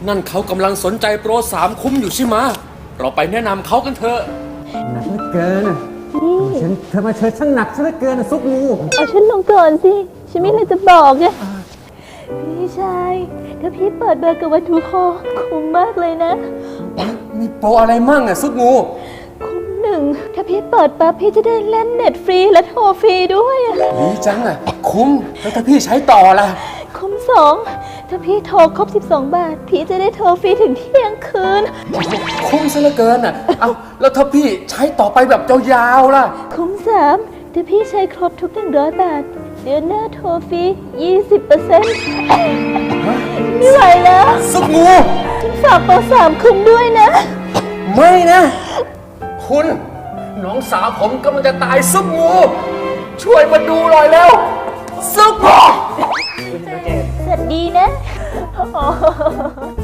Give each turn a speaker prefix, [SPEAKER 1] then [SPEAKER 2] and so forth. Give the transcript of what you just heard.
[SPEAKER 1] นั่นเขากำลังสนใจโปร3 คุ้มอยู่ใช่ไหมเราไปแนะนำเขากันเถอะ
[SPEAKER 2] หนักเหลือเกินเธอมาเชิญช่างหนักซะเหลือเกินซุปงู
[SPEAKER 3] เอาฉันลงก่อนสิฉันไม่เลยจะบอกไงพี่ชายถ้าพี่เปิดเบอร์กับวัตถุคอคุ้มมากเลยนะ
[SPEAKER 1] มีโปรอะไรมั่งซุปงู
[SPEAKER 3] คุ้ม1ถ้าพี่เปิดปั๊บพี่จะได้เล่นเน็ตฟรีและโทรฟรีด้วย
[SPEAKER 1] ดีจังคุ้มแล้วถ้าพี่ใช้ต่อล่ะ
[SPEAKER 3] คุ้ม2ถ้าพี่โทรครบ12 บาทพี่จะได้โทรฟรีถึงเที่ยงคืน
[SPEAKER 1] คุ้มซะเหลือเกินเอาแล้วถ้าพี่ใช้ต่อไปแบบยาวๆล่ะ
[SPEAKER 3] คุ้ม3ถ้าพี่ใช้ครบทุก100 บาทเดือนหน้าโทรฟรี 20% ไม่ไหวแล้ว
[SPEAKER 1] ซุปงู
[SPEAKER 3] ฉันฝากโปร3 คุ้มด้วยนะ
[SPEAKER 1] ไม่นะคุณน้องสาวผมกำลังจะตายซุปงูช่วยมาดูหน่อยแล้วซุปงู
[SPEAKER 3] สวัสดีนะ